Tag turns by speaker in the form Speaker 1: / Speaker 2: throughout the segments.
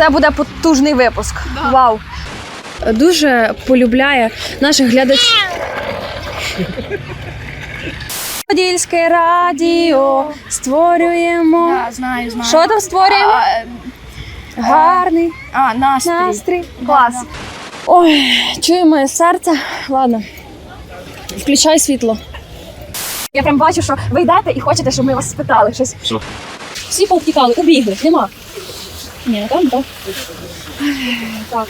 Speaker 1: Це буде потужний випуск. Да. Вау. Дуже полюбляє наших глядачів. Подільське радіо створюємо.
Speaker 2: Да, знаю.
Speaker 1: Що там створюємо? Гарний настрій. Клас.
Speaker 2: Да.
Speaker 1: Ой, чує моє серце. Ладно, включай світло. Я прям бачу, що ви йдете і хочете, щоб ми вас спитали щось.
Speaker 3: Що?
Speaker 1: Всі повтікали, убігли, нема. Ні, там, так. Так.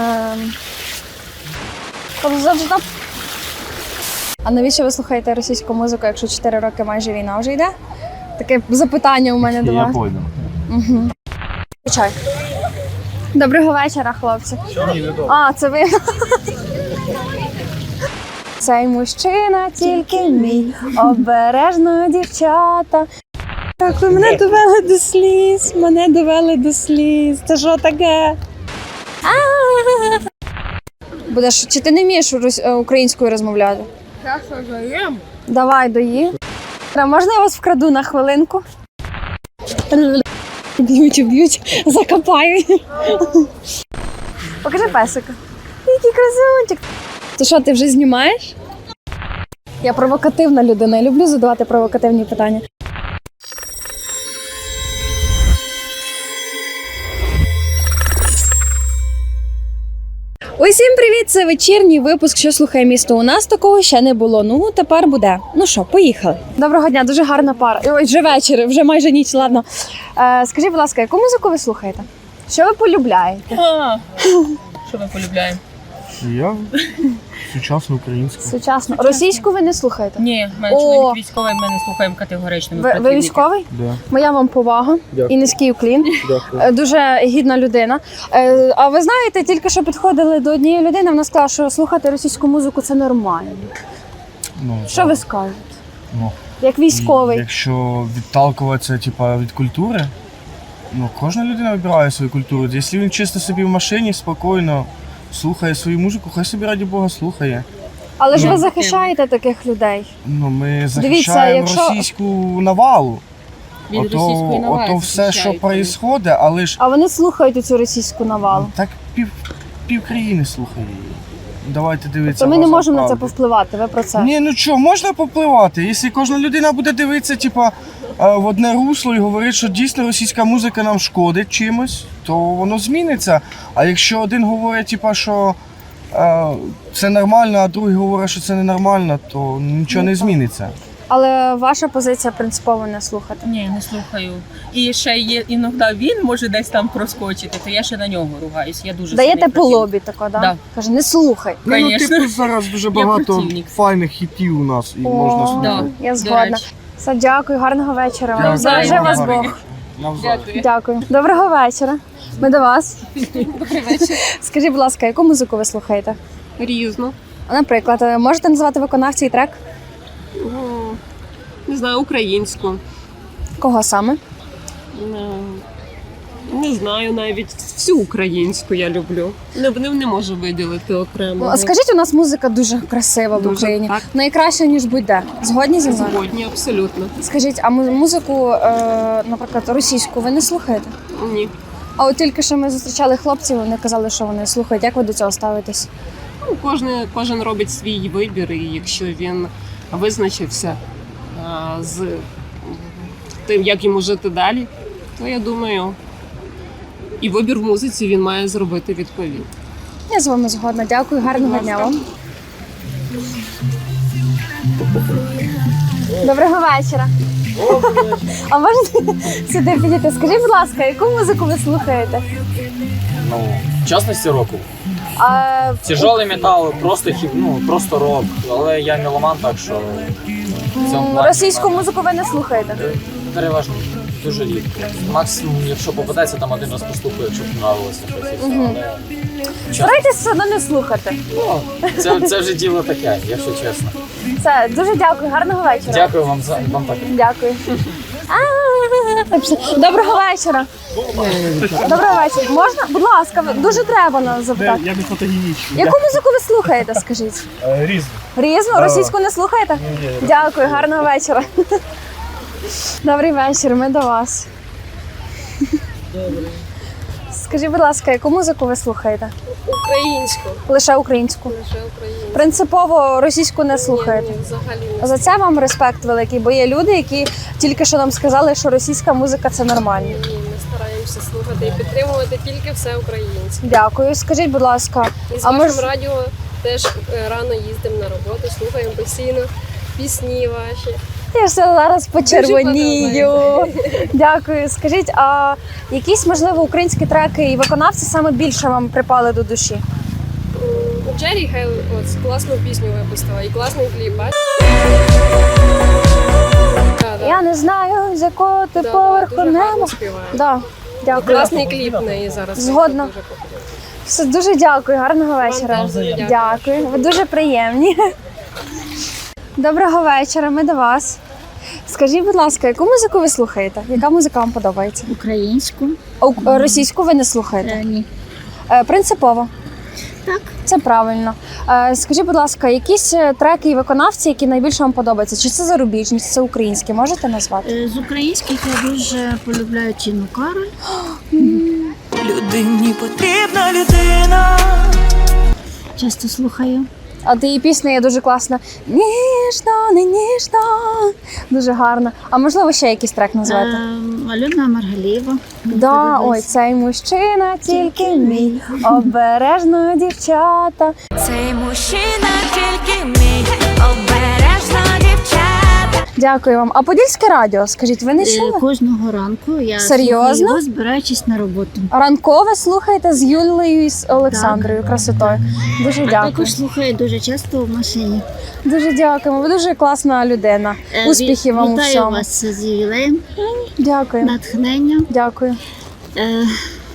Speaker 1: А навіщо ви слухаєте російську музику, якщо 4 роки майже війна вже йде? Таке запитання у мене до вас.
Speaker 3: Я пойду.
Speaker 1: Угу. Чай. Доброго вечора, хлопці. А, це ви? Цей мужчина тільки мій, обережно, дівчата. Так, ви мене довели до сліз, Це що таке? Будеш, чи ти не вмієш українською розмовляти? Давай, доїм. Можна я вас вкраду на хвилинку? Б'ють, закопаю. Покажи песика. Який красунчик. Ти що, ти вже знімаєш? Я провокативна людина, я люблю задавати провокативні питання. Усім привіт! Це вечірній випуск «Що слухає місто». У нас такого ще не було, ну тепер буде. Ну що, поїхали. Доброго дня, дуже гарна пара. Ой, вже вечір, вже майже ніч, ладно. Скажіть, будь ласка, яку музику ви слухаєте? Що ви полюбляєте?
Speaker 2: Що ми полюбляємо?
Speaker 3: Я сучасну українську.
Speaker 1: Сучасно. Російську ви не слухаєте?
Speaker 2: Ні, в мене чоловік військовий, ми не слухаємо категорично.
Speaker 1: Ви військовий?
Speaker 3: Да.
Speaker 1: Моя вам повага.
Speaker 3: Дякую.
Speaker 1: І низький уклін.
Speaker 3: Дякую.
Speaker 1: Дуже гідна людина. А ви знаєте, тільки що підходили до однієї людини, вона сказала, що слухати російську музику – це нормально.
Speaker 3: Ну,
Speaker 1: Що
Speaker 3: так.
Speaker 1: ви скажете?
Speaker 3: Ну,
Speaker 1: Як військовий?
Speaker 3: якщо відталкуватися від культури, кожна людина вибирає свою культуру. Якщо він чисто собі в машині, спокійно слухає свою музику, хай собі, раді Бога, слухає.
Speaker 1: Але ж ви захищаєте таких людей.
Speaker 3: Ми захищаємо російську навалу.
Speaker 2: Від російської навали
Speaker 3: Ото все, що відбувається, але ж...
Speaker 1: А вони слухають цю російську навалу.
Speaker 3: Так пів країни слухає її. Давайте дивитися.
Speaker 1: То ми не можемо на це повпливати, ви про це?
Speaker 3: Ні, можна попливати. Якщо кожна людина буде дивитися, в одне русло і говорити, що дійсно російська музика нам шкодить чимось, то воно зміниться. А якщо один говорить, що це нормально, а другий говорить, що це ненормально, то нічого не зміниться.
Speaker 1: Але ваша позиція принципово не слухати.
Speaker 2: Ні, не слухаю. І ще є іноді він може десь там проскочити, то я ще на нього ругаюсь. Я дуже
Speaker 1: даєте по лобі тако, да?
Speaker 2: Да.
Speaker 1: Каже, не слухай.
Speaker 3: Зараз дуже багато файних хітів у нас і можна слухати.
Speaker 1: Я згодна. Все, дякую, гарного вечора вам. Бережи вас Бог. Дякую. Доброго вечора. Ми до вас.
Speaker 2: Добрий вечір.
Speaker 1: Скажіть, будь ласка, яку музику ви слухаєте?
Speaker 2: Різно.
Speaker 1: Наприклад, можете назвати виконавця і трек?
Speaker 4: Не знаю, українську.
Speaker 1: Кого саме?
Speaker 4: Не знаю, навіть всю українську я люблю. Не можу виділити окремо.
Speaker 1: А скажіть, у нас музика дуже красива в Україні.
Speaker 4: Так.
Speaker 1: Найкраща, ніж будь-де. Згодні зі мною?
Speaker 4: Згодні, абсолютно.
Speaker 1: Скажіть, а музику, наприклад, російську ви не слухаєте?
Speaker 4: Ні.
Speaker 1: А от тільки що ми зустрічали хлопців, вони казали, що вони слухають. Як ви до цього ставитесь?
Speaker 4: Кожен робить свій вибір, і якщо він визначився з тим, як йому жити далі, то я думаю, і вибір в музиці він має зробити відповідь.
Speaker 1: Я з вами згодна. Дякую, гарного дня вам. Доброго вечора. А можете сюди підійти? Скажіть, будь ласка, яку музику ви слухаєте?
Speaker 5: В частності року.
Speaker 1: А...
Speaker 5: Тяжелий метал, просто рок. Але я меломан, так що...
Speaker 1: Російську музику ви не слухаєте?
Speaker 5: Переважно дуже рідко. Максимум, якщо попадеться, там один раз послухаю, якщо подобалося щось.
Speaker 1: Старайтесь все одно не слухати.
Speaker 5: Це вже діло таке, якщо чесно.
Speaker 1: Все, дуже дякую, гарного вечора.
Speaker 5: Дякую вам так.
Speaker 1: Дякую. Доброго вечора. Доброго вечора. Можна? Будь ласка, дуже треба нас запитати.
Speaker 3: Я не фотогенічний.
Speaker 1: Яку музику ви слухаєте, скажіть?
Speaker 3: Різно.
Speaker 1: Різну? Російську не слухаєте? Дякую, гарного вечора. Добрий вечір, ми до вас. Скажіть, будь ласка, яку музику ви слухаєте?
Speaker 6: Українську.
Speaker 1: Лише українську.
Speaker 6: Лише українську.
Speaker 1: Принципово російську не слухаєте?
Speaker 6: Ні, взагалі не.
Speaker 1: За це вам респект великий, бо є люди, які тільки що нам сказали, що російська музика це нормально.
Speaker 6: Ні, ми стараємося слухати і підтримувати тільки все українське.
Speaker 1: Дякую. Скажіть, будь ласка,
Speaker 6: І з
Speaker 1: а
Speaker 6: вашим
Speaker 1: мож...
Speaker 6: радіо теж рано їздимо на роботу, слухаємо постійно пісні ваші.
Speaker 1: я ж зараз почервонію.
Speaker 6: подобається.
Speaker 1: Дякую. Скажіть, а якісь, можливо, українські треки і виконавці саме більше вам припали до душі?
Speaker 6: У Джері Хейл от класну пісню випустила і класний кліп. бачите? Да,
Speaker 1: Я не знаю, з якого ти
Speaker 6: да,
Speaker 1: поверху
Speaker 6: дуже гарно
Speaker 1: неба.
Speaker 6: співає.
Speaker 1: Да,
Speaker 6: І
Speaker 1: дякую.
Speaker 6: класний кліп в неї зараз.
Speaker 1: Згодна.
Speaker 6: Дуже популярний.
Speaker 1: Все, дуже дякую, гарного вечора.
Speaker 6: теж дуже дякую.
Speaker 1: Дякую, ви дуже приємні. Доброго вечора, ми до вас. Скажіть, будь ласка, яку музику ви слухаєте? Яка музика вам подобається?
Speaker 7: Українську?
Speaker 1: Російську ви не слухаєте?
Speaker 7: Ні.
Speaker 1: Принципово.
Speaker 7: Так.
Speaker 1: Це правильно. Скажіть, будь ласка, якісь треки і виконавці, які найбільше вам подобаються? Чи це зарубіжні, чи це українські? Можете назвати?
Speaker 7: З українських я дуже полюбляю Тіну Кароль.
Speaker 8: Людині потрібна людина.
Speaker 7: Часто слухаю.
Speaker 1: А її пісня є дуже класна. Ніжно, не ніжно. Дуже гарно. А можливо, ще якийсь трек назвати?
Speaker 7: Альона Маргалієва. Мені
Speaker 1: Да,
Speaker 7: подобається.
Speaker 1: ой, цей мужчина тільки мій, обережно дівчата.
Speaker 8: Цей мужчина тільки мій, обережно дівчата.
Speaker 1: Дякую вам. А Подільське радіо, скажіть, ви не чули?
Speaker 7: Кожного ранку я
Speaker 1: Серйозно?
Speaker 7: слухаю його, збираючись на роботу.
Speaker 1: Ранкове слухаєте з Юлією і з Олександрою
Speaker 7: Так.
Speaker 1: красотою. Дуже
Speaker 7: А
Speaker 1: дякую.
Speaker 7: також слухаю дуже часто в машині.
Speaker 1: Дуже дякуємо. Ви дуже класна людина. Успіхів вам у
Speaker 7: Вітаю
Speaker 1: всьому.
Speaker 7: вас з ювілеєм,
Speaker 1: Дякую.
Speaker 7: натхнення.
Speaker 1: Дякую.
Speaker 7: Е,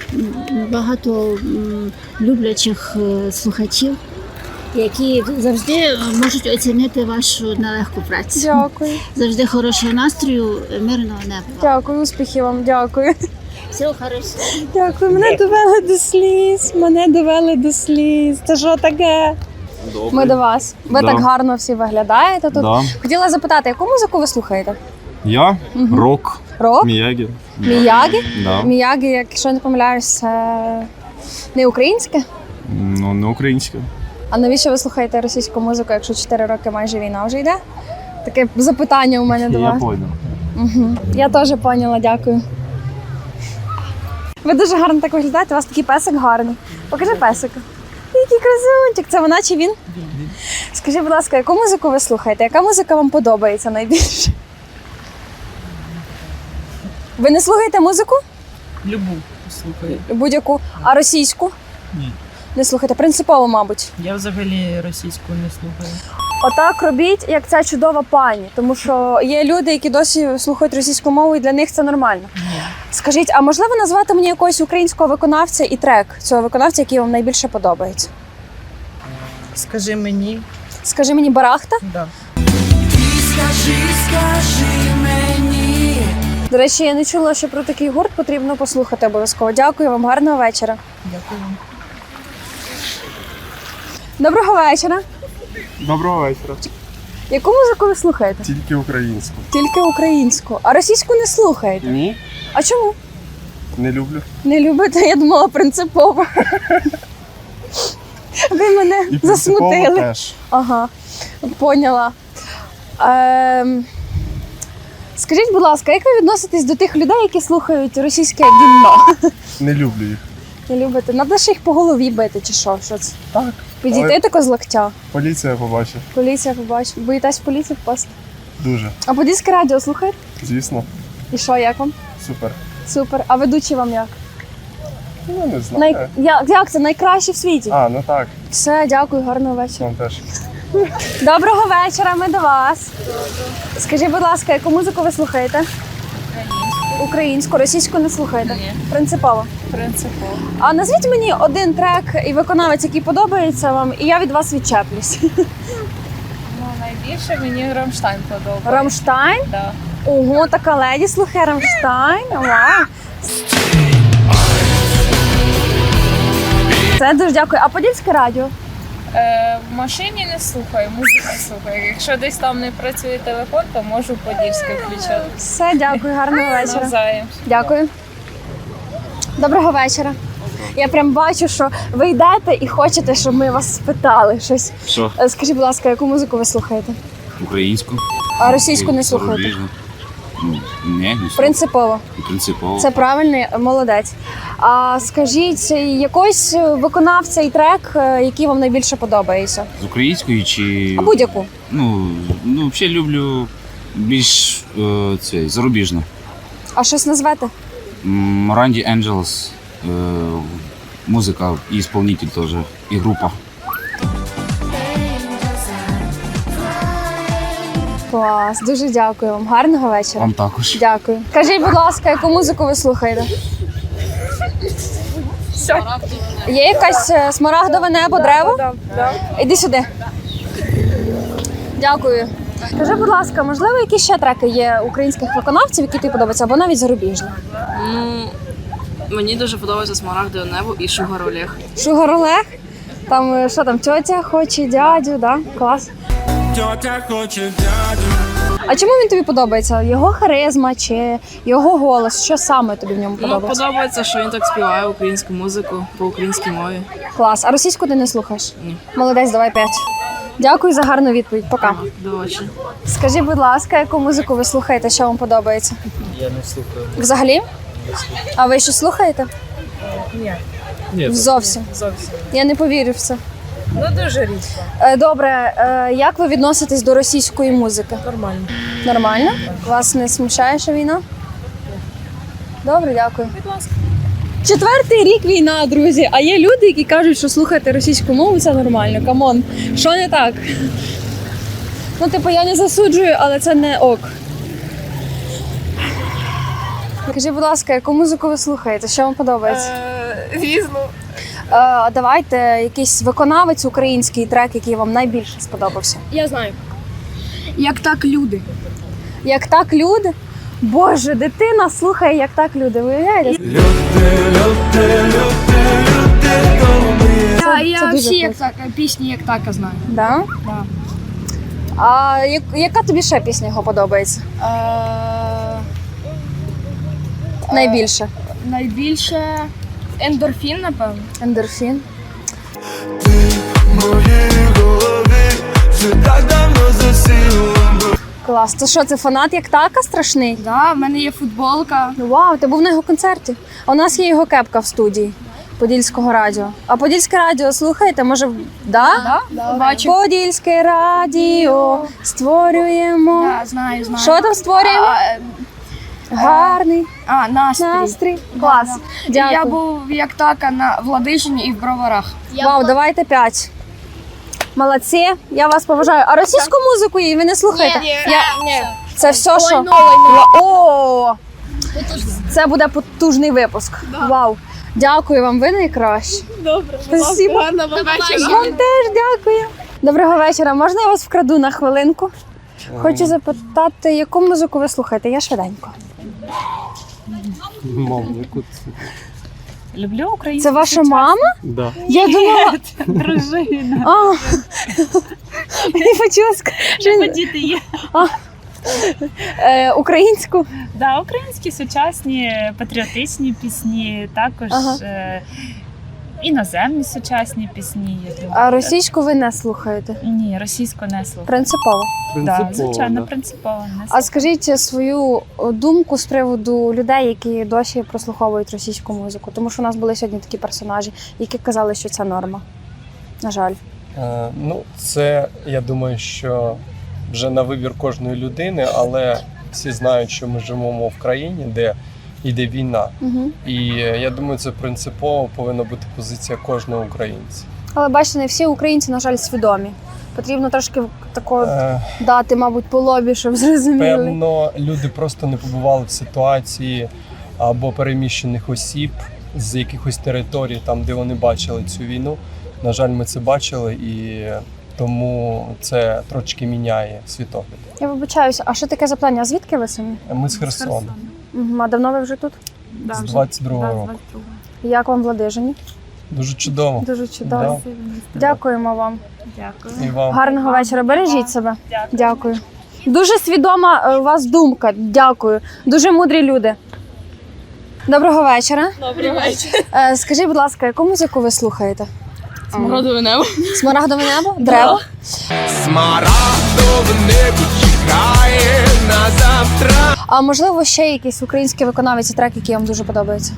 Speaker 7: Багато люблячих слухачів, які завжди можуть оцінити вашу нелегку працю.
Speaker 1: Дякую.
Speaker 7: Завжди хорошого настрою, мирного неба.
Speaker 1: Дякую, успіхів вам. Дякую.
Speaker 7: Всього хорошого.
Speaker 1: Дякую. Мене довели до сліз. Мене довели до сліз. Це що таке? Ми до вас. Ви
Speaker 9: Да.
Speaker 1: так гарно всі виглядаєте тут.
Speaker 9: Да.
Speaker 1: Хотіла запитати, яку музику ви слухаєте?
Speaker 9: Я рок,
Speaker 1: Рок?
Speaker 9: Міягі.
Speaker 1: Міягі?
Speaker 9: Да.
Speaker 1: Міягі, якщо я не помиляюсь, це не українське.
Speaker 9: Ну, не українська.
Speaker 1: А навіщо ви слухаєте російську музику, якщо 4 роки майже війна вже йде? Таке запитання у мене до
Speaker 9: Я
Speaker 1: вас.
Speaker 9: понял.
Speaker 1: Угу. Я теж поняла, дякую. Ви дуже гарно так виглядаєте, у вас такий песик гарний. Покажи песика. Який красунчик, це вона чи він? Скажіть, будь ласка, яку музику ви слухаєте? Яка музика вам подобається найбільше? Ви не слухаєте музику?
Speaker 2: Любу слухаю.
Speaker 1: Будь-яку. А російську?
Speaker 2: Ні.
Speaker 1: Не слухаєте. Принципово, мабуть.
Speaker 2: Я взагалі російську не слухаю.
Speaker 1: Отак робіть, як ця чудова пані. Тому що є люди, які досі слухають російську мову, і для них це нормально. Скажіть, а можливо назвати мені якогось українського виконавця і трек цього виконавця, який вам найбільше подобається?
Speaker 2: Скажи мені.
Speaker 1: Скажи мені, Барахта?
Speaker 2: Да.
Speaker 8: Скажи мені.
Speaker 1: До речі, я не чула, що про такий гурт потрібно послухати обов'язково. Дякую вам, гарного вечора.
Speaker 2: Дякую.
Speaker 1: Доброго вечора.
Speaker 3: Доброго вечора.
Speaker 1: Яку музику ви слухаєте?
Speaker 3: Тільки українську.
Speaker 1: Тільки українську. А російську не слухаєте?
Speaker 3: Ні,
Speaker 1: А чому?
Speaker 3: не люблю.
Speaker 1: Не любите? Я думала принципово. Ви мене
Speaker 3: І принципово
Speaker 1: засмутили.
Speaker 3: теж.
Speaker 1: Ага, поняла. Скажіть, будь ласка, як ви відноситесь до тих людей, які слухають російське гімно?
Speaker 3: Не люблю їх.
Speaker 1: Не любите? Надо ж їх по голові бити, чи що? Що це?
Speaker 3: Так.
Speaker 1: Підійти
Speaker 3: Але
Speaker 1: тако з локтя.
Speaker 3: поліція побачить.
Speaker 1: Поліція побачить. Боїтесь в поліцію впасти?
Speaker 3: Дуже.
Speaker 1: А Подільське радіо слухаєте?
Speaker 3: Звісно.
Speaker 1: І що, як вам?
Speaker 3: Супер.
Speaker 1: Супер. А ведучий вам як?
Speaker 3: Ну, не знаю.
Speaker 1: Як це? Найкраще в світі?
Speaker 3: А, ну так.
Speaker 1: Все, дякую, гарного вечора.
Speaker 3: Вам теж.
Speaker 1: Доброго вечора, ми до вас. Скажіть, будь ласка, яку музику ви слухаєте? Українську. Російську не слухаєте?
Speaker 2: Ні.
Speaker 1: Принципово.
Speaker 2: Принципово.
Speaker 1: А назвіть мені один трек і виконавець, який подобається вам, і я від вас відчеплюсь.
Speaker 10: Ну, найбільше мені Рамштайн подобається.
Speaker 1: Рамштайн?
Speaker 10: Да.
Speaker 1: Ого, така леді слухає Рамштайн. Вау. Це дуже дякую. А Подільське радіо?
Speaker 10: В машині не слухаю, музику слухаю. Якщо десь там не працює телефон, то можу Подільське включати.
Speaker 1: Все, дякую, гарного вечора.
Speaker 10: Навзаєм.
Speaker 1: Дякую. Доброго вечора. Я прям бачу, що ви йдете і хочете, щоб ми вас спитали щось.
Speaker 9: Що?
Speaker 1: Скажіть, будь ласка, яку музику ви слухаєте?
Speaker 9: Українську.
Speaker 1: А російську не слухаєте?
Speaker 9: Зарубіжну. Ні, не слухаю.
Speaker 1: Принципово.
Speaker 9: Принципово.
Speaker 1: Це правильний, молодець. А скажіть, якийсь виконавця і трек, який вам найбільше подобається?
Speaker 9: З української чи...
Speaker 1: А будь-яку.
Speaker 9: Ну, взагалі люблю більш зарубіжну.
Speaker 1: А щось назвете?
Speaker 9: Ранді Angels, музика і исполнитель теж, і група.
Speaker 1: Клас, дуже дякую вам. Гарного вечора.
Speaker 9: Вам також.
Speaker 1: Дякую. Скажіть, будь ласка, яку музику ви слухаєте? Є якась смарагдове небо, дерево? Іди сюди. Дякую. Скажи, будь ласка, можливо, які ще треки є українських виконавців, які тобі подобаються, або навіть зарубіжні?
Speaker 11: Мені дуже подобається «Смарагдове небо» і «Шугар Олег».
Speaker 1: Шугар Олег? Там, що там, тьотя хоче дядю, да? Клас.
Speaker 8: Тьотя хоче дядю.
Speaker 1: А чому він тобі подобається? Його харизма чи його голос? Що саме тобі в ньому подобається?
Speaker 11: Подобається, що він так співає українську музику по українській мові.
Speaker 1: Клас. А російську ти не слухаєш?
Speaker 11: Ні.
Speaker 1: Молодець, давай 5. Дякую за гарну відповідь. Пока.
Speaker 11: До очі.
Speaker 1: Скажіть, будь ласка, яку музику ви слухаєте, що вам подобається?
Speaker 5: Я не слухаю.
Speaker 1: Взагалі? А ви щось слухаєте?
Speaker 5: Ні.
Speaker 1: Зовсім. Я не повірю в це.
Speaker 2: Ну дуже рідко.
Speaker 1: Добре, як ви відноситесь до російської музики?
Speaker 2: Нормально.
Speaker 1: Нормально? Вас не смущає, що війна? Добре, дякую. Будь ласка. 4-й рік війна, друзі. А є люди, які кажуть, що слухати російську мову це нормально. Камон, що не так? Ну, типу, я не засуджую, але це не ок. Скажіть, будь ласка, яку музику ви слухаєте? Що вам подобається?
Speaker 6: Різно.
Speaker 1: Давайте якийсь виконавець український трек, який вам найбільше сподобався.
Speaker 6: Я знаю. Як так люди.
Speaker 1: Як так люди? Боже, дитина слухає, як так люди. Виявляєте?
Speaker 6: Я
Speaker 1: дуже
Speaker 6: всі
Speaker 1: круто.
Speaker 6: пісні як так знаю.
Speaker 1: Да?
Speaker 6: Да.
Speaker 1: А яка тобі ще пісня його подобається? Найбільше.
Speaker 6: Найбільше ендорфін, напевно.
Speaker 1: Ендорфін. Клас. Це що, це фанат як така страшний?
Speaker 6: Да, в мене є футболка.
Speaker 1: Вау, ти був на його концерті. А у нас є його кепка в студії Подільського радіо. А Подільське радіо слухаєте? Може, да?
Speaker 6: Да, бачу.
Speaker 1: Подільське радіо створюємо.
Speaker 6: Да, знаю.
Speaker 1: Що там створюємо? Гарний
Speaker 6: Настрій.
Speaker 1: настрій. Клас. Дякую.
Speaker 6: Я був як така на Владижині і в Броварах.
Speaker 1: Вау, давайте 5. Молодці, я вас поважаю. А російську музику ви не слухаєте?
Speaker 6: Ні.
Speaker 1: Це все, що... О! Це буде потужний випуск. Вау. Дякую вам, ви найкращі.
Speaker 6: Добре,
Speaker 1: Спасибо.
Speaker 6: гарного вечора.
Speaker 1: Вам теж дякую. Доброго вечора. Можна я вас вкраду на хвилинку? Хочу запитати, яку музику ви слухаєте? Я швиденько.
Speaker 10: Люблю українську.
Speaker 1: Це ваша мама?
Speaker 9: Да.
Speaker 1: Я думала...
Speaker 10: дружина.
Speaker 1: А, мені почулось, що...
Speaker 10: Діти є.
Speaker 1: Українську?
Speaker 10: Да, українські сучасні патріотичні пісні, також
Speaker 1: Ага.
Speaker 10: Іноземні сучасні пісні. Я люблю.
Speaker 1: А російську ви не слухаєте?
Speaker 10: Ні, російську не слухаю.
Speaker 1: Принципово.
Speaker 10: Да, звичайно, принципово не
Speaker 1: А
Speaker 10: слухаю.
Speaker 1: скажіть свою думку з приводу людей, які досі прослуховують російську музику. Тому що у нас були сьогодні такі персонажі, які казали, що це норма. На жаль.
Speaker 12: Це, я думаю, що вже на вибір кожної людини, але всі знають, що ми живемо в країні, де йде війна.
Speaker 1: Угу.
Speaker 12: І я думаю, це принципово повинна бути позиція кожного українця.
Speaker 1: Але бачите, не всі українці, на жаль, свідомі. Потрібно трошки такого дати, мабуть, по лобі, щоб зрозуміли.
Speaker 12: Певно, люди просто не побували в ситуації або переміщених осіб з якихось територій, там, де вони бачили цю війну. На жаль, ми це бачили, і тому це трошки міняє світогляд.
Speaker 1: Я вибачаюся, а що таке запитання? А звідки ви самі?
Speaker 12: Ми з Херсона.
Speaker 1: Угу. А давно ви вже тут?
Speaker 12: З 22-го року.
Speaker 1: Як вам в Ладижині?
Speaker 12: Дуже чудово.
Speaker 1: Дуже чудово.
Speaker 12: Да.
Speaker 1: Дякуємо вам.
Speaker 10: Дякую.
Speaker 12: І вам.
Speaker 1: Гарного вечора. Бережіть себе.
Speaker 10: Дякую.
Speaker 1: Дякую. Дуже свідома у вас думка. Дякую. Дуже мудрі люди. Доброго вечора.
Speaker 10: Добрий вечір.
Speaker 1: Скажіть, будь ласка, яку музику ви слухаєте?
Speaker 10: Смородове небо.
Speaker 1: Смарагдове небо? Древо?
Speaker 8: Смарагдове небо чекає на завтра.
Speaker 1: А можливо, ще якийсь український виконавець і трек, який вам дуже подобається?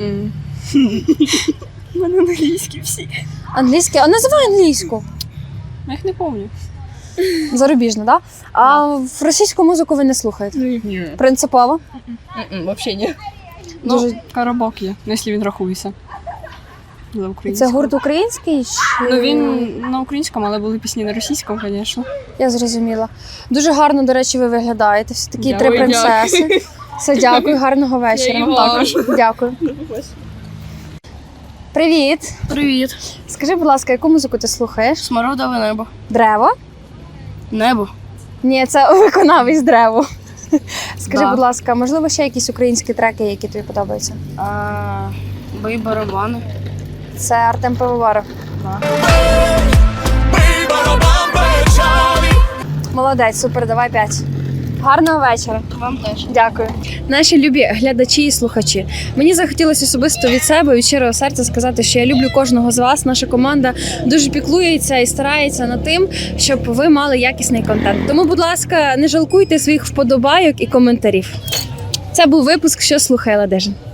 Speaker 10: У мене англійські всі.
Speaker 1: Англійський? А називай англійську.
Speaker 10: Я їх не пам'ятаю.
Speaker 1: Зарубіжно, так? Да? А в російську музику ви не слухаєте?
Speaker 10: Ні.
Speaker 1: Принципово?
Speaker 10: Взагалі ні.
Speaker 1: Дуже...
Speaker 10: Коробок є, якщо він рахується. За українською.
Speaker 1: Це гурт український? Чи...
Speaker 10: Він на українському, але були пісні на російському, звісно.
Speaker 1: Я зрозуміла. Дуже гарно, до речі, ви виглядаєте. Всі такі
Speaker 10: Дякую,
Speaker 1: три принцеси. Все, дякую, гарного вечора.
Speaker 10: Я також.
Speaker 1: Дякую. Привіт.
Speaker 11: Привіт.
Speaker 1: Скажи, будь ласка, яку музику ти слухаєш?
Speaker 11: Смарагдове небо.
Speaker 1: Древо?
Speaker 11: Небо.
Speaker 1: Ні, це виконавець Древо. Скажи,
Speaker 11: Да.
Speaker 1: будь ласка, можливо, ще якісь українські треки, які тобі подобаються?
Speaker 11: Бий барабани.
Speaker 1: Це Артем Пивоваров.
Speaker 8: Бий барабан печалі.
Speaker 1: Молодець, супер, давай 5. Гарного вечора.
Speaker 11: Вам теж.
Speaker 1: Дякую. Наші любі глядачі і слухачі. Мені захотілося особисто від себе, від щирого серця сказати, що я люблю кожного з вас. Наша команда дуже піклується і старається над тим, щоб ви мали якісний контент. Тому, будь ласка, не жалкуйте своїх вподобайок і коментарів. Це був випуск «Що слухає Ладижин».